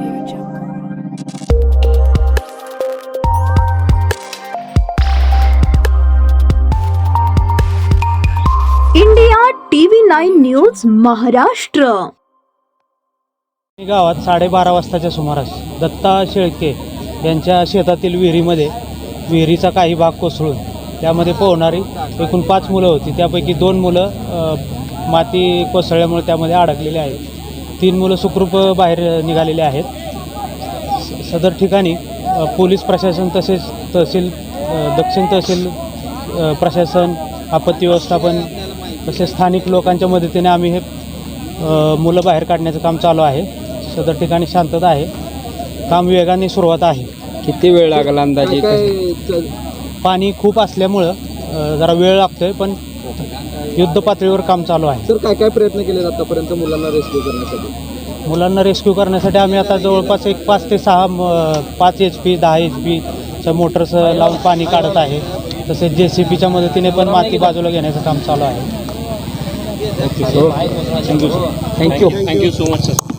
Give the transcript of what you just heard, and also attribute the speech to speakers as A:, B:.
A: India TV9 news Maharashtra.
B: गावात 12:30 वाजताच्या सुमारास दत्ता शेळके यांच्या शेतातील विहिरीचा काही भाग कोसळून त्यामध्ये पोहणारी एकूण 5 मुलं होती. त्यापैकी 2 मुलं माती कोसळल्यामुळे त्यामध्ये अडकलेले आहेत. 3 मुलं सुखरूप बाहेर निघालेले आहेत. सदर ठिकाणी पोलीस प्रशासन तसेच दक्षिण तहसील प्रशासन, आपत्ती व्यवस्थापन तसेच स्थानिक लोकांच्या मदतीने आम्ही हे मुलं बाहेर काढण्याचं काम चालू आहे. सदर ठिकाणी शांतता आहे. काम वेगाने सुरुवात आहे.
C: किती वेळ लागला अंदाजे?
B: पाणी खूप असल्यामुळं जरा वेळ लागतोय, पण युद्ध पातळीवर काम चालू आहे.
C: सर, काय काय प्रयत्न केले आतापर्यंत मुलांना रेस्क्यू करण्यासाठी?
B: मुलांना रेस्क्यू करण्यासाठी आम्ही आता जवळपास 5 ते 6 5 HP 10 HPच्या मोटर्स लावून पाणी काढत आहे. तसेच JCBच्या मदतीने पण माती बाजूला घेण्याचं काम चालू आहे.
C: Thank you so much sir.